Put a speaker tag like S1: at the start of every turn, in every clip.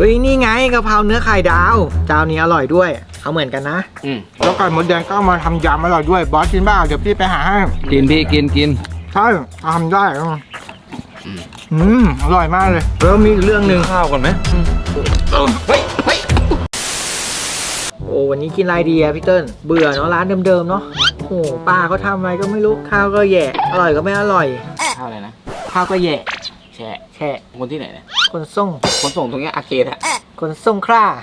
S1: ฮ้ยนี่ไงกะเพราเนื้อไข่ดาวเจ้านี้อร่อยด้วยเอาเหมือนกันนะแล้วไก่มดแดงก็มาทำยำอร่อยด้วยบอสกินบ้างเดี๋ยวพี่ไปหาให้
S2: กินพี่กิน
S1: ใช่ทำได้อร่อยมากเลยแล้วมีอีกเรื่องหนึ่ง
S2: ข้าวก่อนไหม
S1: เฮ้ยโอ้วันนี้กินอะไรดีอะพี่เติ้ลเบื่อเนาะร้านเดิมๆเนาะโอ้ป้าเขาทำอะไรก็ไม่รู้ข้าวก็แย่อร่อยก็ไม่อร่อย
S3: ข้าวอะไรนะ
S1: ข้าวก็แย่
S3: แช่คนที่ไหนเนี่ย
S1: คนส่ง
S3: ตรงเนี้ยอาเกตฮะ
S1: คนส่งคร่า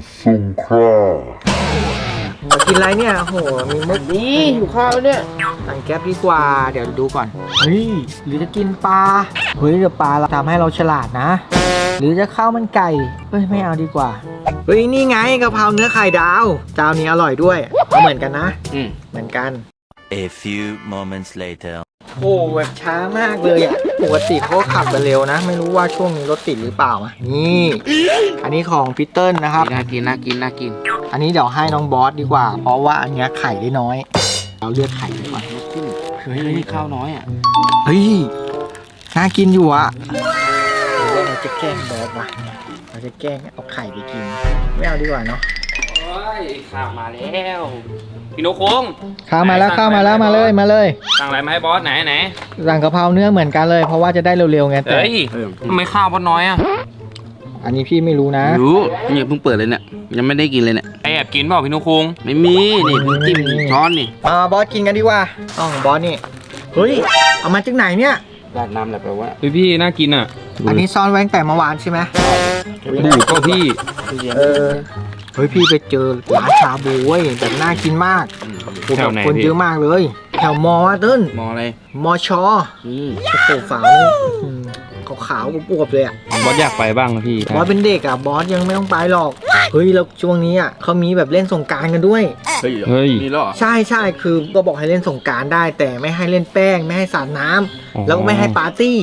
S1: มากินอะไรเนี่ยโหมีมุก
S3: นี่อยู่ข้าวเนี่ย
S1: สั่งแก๊ปดีกว่าเดี๋ยวดูก่อนเฮ้ยหรือจะกินปลาเฮ้ยเดี๋ยวปลาเราทำให้เราฉลาดนะหรือจะข้าวมันไก่เฮ้ยไม่เอาดีกว่าเฮ้ยนี่ไงกะเพราเนื้อไข่ดาวเจ้านี้อร่อยด้วยเอาเหมือนกันนะเหมือนกัน
S4: A few moments later
S1: โอ้แบบช้ามากเลยอ่ะปกติเขาขับกันเร็วนะไม่รู้ว่าช่วงนี้รถติดหรือเปล่าอ่ะนี่อันนี้ของพีเติ้ลนะครับ
S3: น่ากิน
S1: อันนี้เดี๋ยวให้น้องบอสดีกว่าเพราะว่าอันนี้ไข่ได้น้อยเราเลือกไข่ดีกว่า
S3: เฮ้ยข้าวน้อยอ่ะ
S1: เฮ้ยน่ากินอยู่อ่ะเราจะแกล้งบอสว่ะเราจะแกล้งเอาไข่ไปกินไม่เอาดีกว่าเนาะ
S3: โอ้ยข้าวมาแล้วพี่นกคง
S1: ข้าวมาแล้วมาเลย
S3: สั่งอะไรมาให้บอสไหน
S1: สั่งกะเพราเนื้อเหมือนกันเลยเพราะว่าจะได้เร็วๆไงแต่
S3: ทำไมข้าวบอสน้อยอ่ะ
S1: อันนี้พี่ไม่รู้นะ
S3: รู้เนี่ยเพิ่งเปิดเลยเนี่ยยังไม่ได้กินเลยเนี่ยแอบกินเปล่าพี่นกคงไม่มีนี่เพิ่งจิ้มช้อนนี่
S1: มาบอสกินกันดีกว่าบอสนี่เฮ้ยเอามาจากไหนเนี่ย
S3: ราดน้ำอะไรไปวะ
S2: พี่น่ากินอ่ะ
S1: อันนี้ซ่อนไว้ตั้งแต่เมื่อวานใช่ไหม
S2: บูดก็พี่
S1: เฮ้ยพี่ไปเจอร้านชาบูเว้ยแบบน่ากินมากคนเยอะมากเลยแถวมอต้น
S3: มออะไร
S1: มอชอโอ้โหฝาขาวๆอวบๆเลยอ่ะ
S2: บอสอยากไปบ้างนะพี่
S1: บอสเป็นเด็กอ่ะบอสยังไม่ต้องไปหรอกเฮ้ยแล้วช่วงนี้อ่ะเขามีแบบเล่นสงกรานต์กันด้วย
S2: เฮ้ย
S3: มีหรอ
S1: ใช่คือก็บอกให้เล่นสงกรานต์ได้แต่ไม่ให้เล่นแป้งไม่ให้สาดน้ำแล้วก็ไม่ให้ปาร์ตี้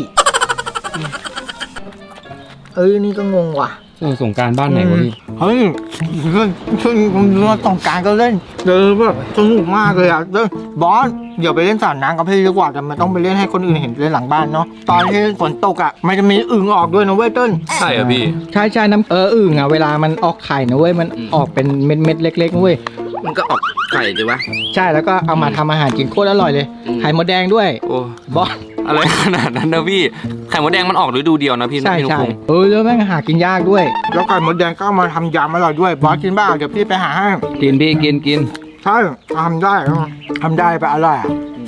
S1: นี่ก็งงว่ะ
S2: สงกรานต์บ้านไหนวะพี่
S1: เฮ้ยช่วงสงกรานต์ก็เล่นแบบสนุกมากเลยอ่ะบอสเดี๋ยวไปเล่นสาดน้ำกับพี่ดีกว่าแต่มันต้องไปเล่นให้คนอื่นเห็นเล่นหลังบ้านเนาะตอนที่ฝนตกอ่ะมันจะมีอึ่งออกด้วยนะเว้ยต้น
S2: ใช่เหรอพี่
S1: ใช่น้ำอึ่งอ่ะเวลามันออกไข่นะเว้ยมันออกเป็นเม็ดเล็กๆนะเว้ย
S3: มันก็ออกไข่ดีวะ
S1: ใช่แล้วก็เอามาทำอาหารกินโคตรอร่อยเลยไข่มดแดงด้วย
S2: โอ้
S1: บอส
S2: อะไรขนาดนั้นนะพี่ไข่มดแดงมันออกฤดูเดียวนะพี่
S1: ใช่แล้วแม่งหากินยากด้วยแล้วไข่มดแดงก็มาทำยำอร่อยด้วยบอสกินบ้างเดี๋ยวพี่ไปหาให้
S2: กินพี่กิน
S1: ใช่ทำได้ไปอร่อย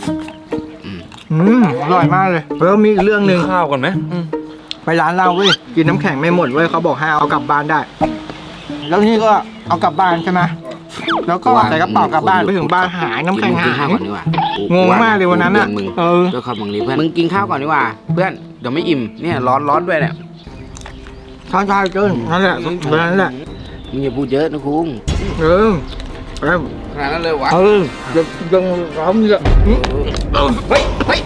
S1: อร่อยมากเลยแล้วมีอีกเรื่องหนึ่ง
S2: ข้าวก่อนไหม
S1: ไปร้านเราเว้ยกินน้ำแข็งไม่หมดเว้ยเขาบอกให้เอากลับบ้านได้แล้วนี่ก็เอากลับบ้านใช่ไหมแล้วก็ใส่กระเป๋ากลับบ้านไปถึงบ้านหายน้ำแข็งหายงงมากเลยวันนั้นอ่ะ
S3: เจ้าขับมึงนี่เพื่อนมึงกินข้าวก่อนดีกว่าเพื่อนเดี๋ยวไม่อิ่มเนี่ยร้อนด้วยเนี่ย
S1: ใช่เกินนั่นแหละนั่นแหละ
S3: มึงอย่าพูดเยอะนะคุณขนาดนั้นเลยวะ
S1: ยังร้อนอยู่
S3: เฮ้ย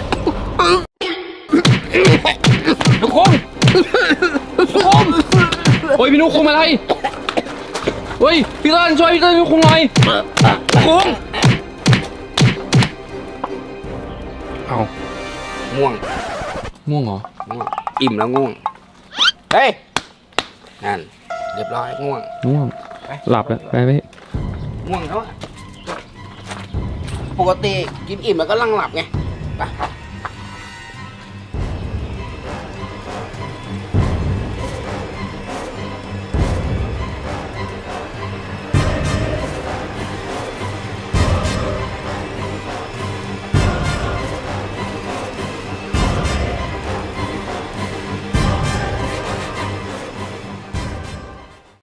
S2: นุกคงโอ้ยพี่นุกคงอะไรเฮ้ยพี่เติ้ลช่วยพี่เติ้ลนุกคงหน่อยคงเอา
S3: ง่วง
S2: เหรอ
S3: อิ่มแล้วง่วงเฮ้ยนั่นเรียบร้อยง่วง
S2: หลับแล้วไป
S3: ง่วงแล้วปกติกินอิ่มแล้วก็ลังหลับไงไป